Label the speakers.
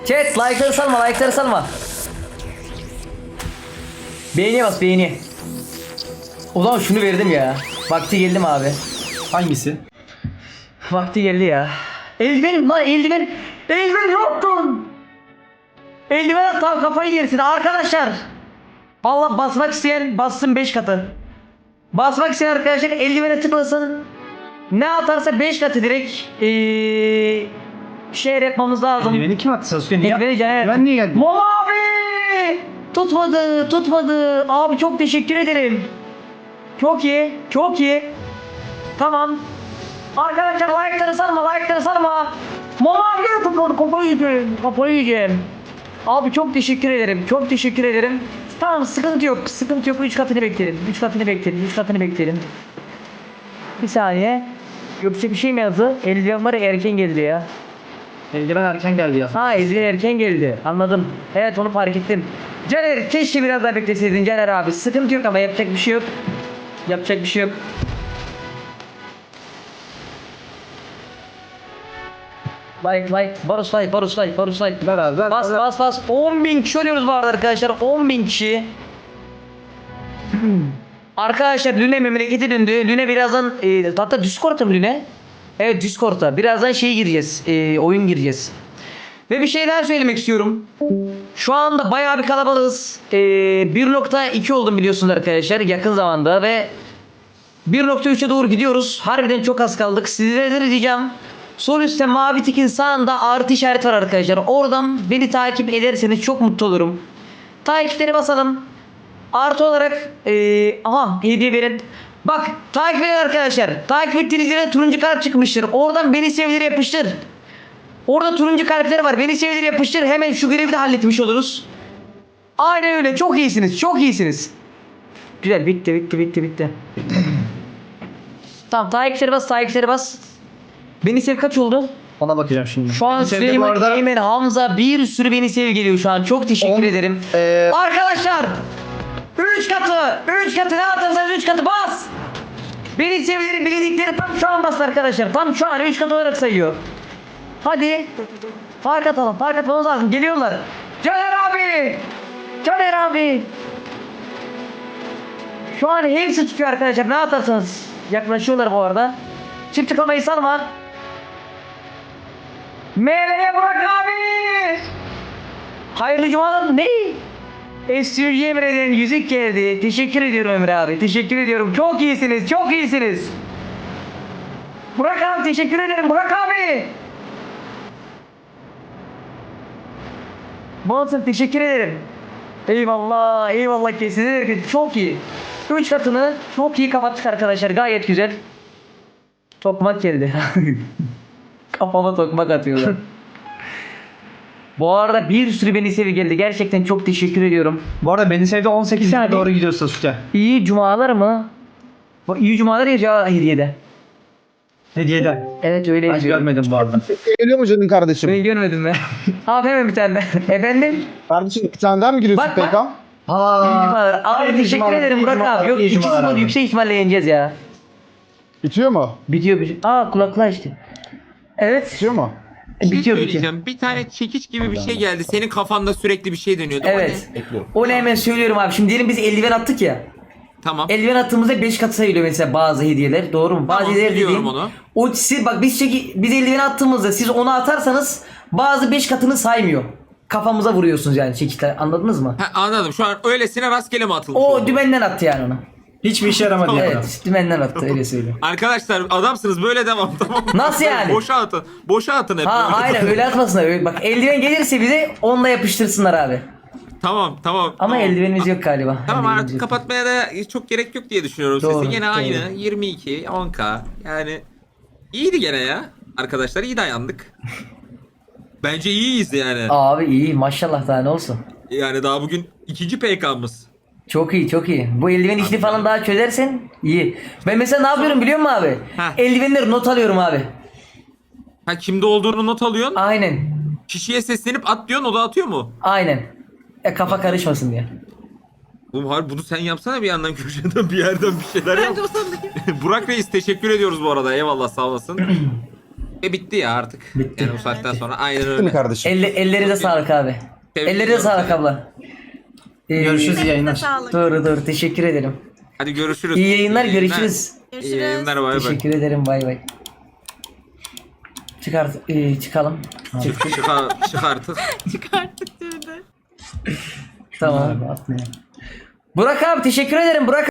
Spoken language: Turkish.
Speaker 1: Chat like'ları salma, like'ları salma. Beğeniye bas, beğeni. O zaman şunu verdim ya. Vakti geldi mi abi?
Speaker 2: Hangisi?
Speaker 1: Vakti geldi ya. Eldivenim lan, eldiven. Eldiven yoktun. Eldiven at lan, kafayı yersin arkadaşlar. Vallahi basmak isteyen bassın 5 katı. Basmak isteyen arkadaşlar eldivene tıklasın. Ne atarsa 5 katı direkt şey yapmamız lazım.
Speaker 2: Beni kim attı Sasuke? Niye?
Speaker 1: Eldiveni Caner.
Speaker 2: Ben niye geldim?
Speaker 1: Mol abi! Tutmadı. Abi çok teşekkür ederim. Çok iyi, çok iyi. Tamam. Arkadaşlar like'ları sarma. Mol abi tutmadı, kafayı yiyeceğim. Abi çok teşekkür ederim. Tamam, sıkıntı yok. 3 katını bekleyelim. Bir saniye. Yoksa bir şey mi yazdı? Eldiven var ya, erken geldi ya.
Speaker 2: Eldiven erken geldi ya.
Speaker 1: Ha, eldiven erken geldi. Anladım. Evet, onu fark ettim. Caner, keşke biraz daha bekleseydin Caner abi. Sıkıntı yok ama yapacak bir şey yok. Like. Barus like.
Speaker 2: Ver.
Speaker 1: Bas. 10.000 kişi oluyoruz bu arada arkadaşlar. 10.000 kişi. Arkadaşlar Lüne memleketi döndü. Lüne birazdan hatta Discord'ta mı Lüne? Evet, Discord'ta. Birazdan gireceğiz. Oyun gireceğiz. Ve bir şey daha söylemek istiyorum. Şu anda bayağı bir kalabalığız. 1.2 oldum biliyorsunuz arkadaşlar yakın zamanda ve 1.3'e doğru gidiyoruz. Harbiden çok az kaldık. Sizlere de diyeceğim. Sol üstte mavi tikin sağında artı işareti var arkadaşlar. Oradan beni takip ederseniz çok mutlu olurum. Takipleri basalım. Artı olarak hediye verin. Bak, takip edin arkadaşlar. Takip ettiğiniz yere turuncu kalp çıkmıştır. Oradan beni sevdir yapıştır. Orada turuncu kalpler var. Beni sevdir yapıştır. Hemen şu görevi de halletmiş oluruz. Aynen öyle. Çok iyisiniz. Güzel, bitti. Tamam, takipleri bas. Beni sev kaç oldu?
Speaker 2: Ona bakacağım şimdi.
Speaker 1: Şu an
Speaker 2: Sevdi bu
Speaker 1: Süleyman,
Speaker 2: arada.
Speaker 1: Eymen, Hamza bir sürü beni sev geliyor şu an. Çok teşekkür ederim. Arkadaşlar 3 katı ne atarsanız 3 katı bas. Beni sevgilerim bildikleri tam şu an bas arkadaşlar. Tam şu an 3 katı olarak sayıyor. Hadi. Fark atmamız lazım. Geliyorlar. Caner abi. Şu an hepsi tutuyor arkadaşlar. Ne atarsanız. Yaklaşıyorlar bu arada. Çift tıklamayı salma. Meleğe bırak abi. Hayırlı cumalar. Ne? SUG Emre'den yüzük geldi. Teşekkür ediyorum Emre abi. Teşekkür ediyorum. Çok iyisiniz. Burak abi, teşekkür ederim. Burak abi. Bonson, teşekkür ederim. Eyvallah kesinlikle. Çok iyi. 3 katını çok iyi kapattık arkadaşlar. Gayet güzel. Tokmak geldi. Kafama tokmak atıyorlar. Bu arada bir sürü beni sevi geldi. Gerçekten çok teşekkür ediyorum.
Speaker 2: Bu arada beni sevdi 18'e
Speaker 1: saniye.
Speaker 2: doğru gidiyor Sasuke.
Speaker 1: İyi cumalar mı? Bu iyi cumalar ya hediyede.
Speaker 2: Hediyeden.
Speaker 1: Evet, öyle
Speaker 2: Ben
Speaker 1: yazıyor.
Speaker 2: görmedim bu arada.
Speaker 3: Geliyor mu canım kardeşim?
Speaker 1: Ben görmedim ben. Abi hemen bir tane. Efendim?
Speaker 3: Kardeşim iki tane daha mı giriyorsun
Speaker 1: Bak.
Speaker 3: PK?
Speaker 1: İyi cumalar. Abi teşekkür ederim Burak abi. Yok, 2-0 yüksek ihtimalle yeneceğiz ya.
Speaker 3: Bitiyor mu?
Speaker 1: Bitiyor. Kulaklığa işte. Evet.
Speaker 3: Bitiyor mu?
Speaker 1: Bitiyor.
Speaker 4: Söyleyeceğim. Bir tane çekiç gibi bir şey geldi. Senin kafanda sürekli bir şey dönüyordu. O
Speaker 1: Evet.
Speaker 4: ne?
Speaker 1: Onu hemen söylüyorum abi. Şimdi diyelim biz eldiven attık ya.
Speaker 4: Tamam.
Speaker 1: Eldiven attığımızda 5 katı sayılıyor mesela bazı hediyeler. Doğru mu? Bazı
Speaker 4: Tamam,
Speaker 1: hediyeler
Speaker 4: biliyorum
Speaker 1: dediğim.
Speaker 4: onu.
Speaker 1: O siz bak biz eldiven attığımızda siz onu atarsanız bazı 5 katını saymıyor. Kafamıza vuruyorsunuz yani çekiçler. Anladınız mı?
Speaker 4: Ha, anladım. Şu an öylesine rastgele mi atılmış
Speaker 1: O
Speaker 4: oldu?
Speaker 1: dümenden attı yani onu.
Speaker 2: Hiçbir işe yaramadı ya.
Speaker 1: Evet, dümenden attı öyle söyleyeyim.
Speaker 4: Arkadaşlar adamsınız, böyle devam, tamam mı?
Speaker 1: Nasıl yani?
Speaker 4: Boşa atın hep.
Speaker 1: Ha
Speaker 4: böyle.
Speaker 1: aynen öyle atmasınlar. Öyle, bak eldiven gelirse bize onunla yapıştırsınlar abi.
Speaker 4: Tamam.
Speaker 1: Ama
Speaker 4: tamam.
Speaker 1: eldivenimiz yok galiba.
Speaker 4: Tamam,
Speaker 1: Eldivenimiz
Speaker 4: artık
Speaker 1: yok.
Speaker 4: kapatmaya da çok gerek yok diye düşünüyorum
Speaker 1: Doğru,
Speaker 4: sesi. Gene
Speaker 1: doğru.
Speaker 4: aynı 22 10k, yani iyiydi gene ya. Arkadaşlar iyi dayandık. Bence iyiyiz yani.
Speaker 1: Abi iyi maşallah, daha ne olsun.
Speaker 4: Yani daha bugün ikinci PK'mız.
Speaker 1: Çok iyi. Bu eldiven işini falan daha çözersen iyi. Ben mesela ne yapıyorum biliyor musun abi?
Speaker 4: Heh.
Speaker 1: Eldivenleri not alıyorum abi.
Speaker 4: Ha, kimde olduğunu not alıyorsun.
Speaker 1: Aynen.
Speaker 4: Kişiye seslenip at diyorsun, o da atıyor mu?
Speaker 1: Aynen. Kafa karışmasın diye.
Speaker 4: Oğlum harbi bunu sen yapsana bir yandan, köşeden bir yerden bir şeyler yap. Burak Reis teşekkür ediyoruz bu arada. Eyvallah, sağ olasın. Ve bitti ya artık. Yani bu saatten sonra aynen
Speaker 3: Değil mi
Speaker 4: öyle.
Speaker 3: kardeşim?
Speaker 1: Ellerine sağlık abi.
Speaker 4: Tebrik
Speaker 1: Ellerine
Speaker 4: ediyorum
Speaker 1: sağlık
Speaker 4: seni.
Speaker 1: abla.
Speaker 2: Görüşürüz
Speaker 5: Elinize
Speaker 2: yayınlar.
Speaker 5: sağlık.
Speaker 1: Doğru teşekkür ederim.
Speaker 4: Hadi görüşürüz.
Speaker 1: İyi yayınlar, görüşürüz.
Speaker 4: İyi yayınlar, bay bay.
Speaker 1: Teşekkür ederim, bay bay. Çıkalım.
Speaker 4: Çık artık.
Speaker 5: Çıkarttık dedi.
Speaker 1: Tamam. Burak abi teşekkür ederim Burak.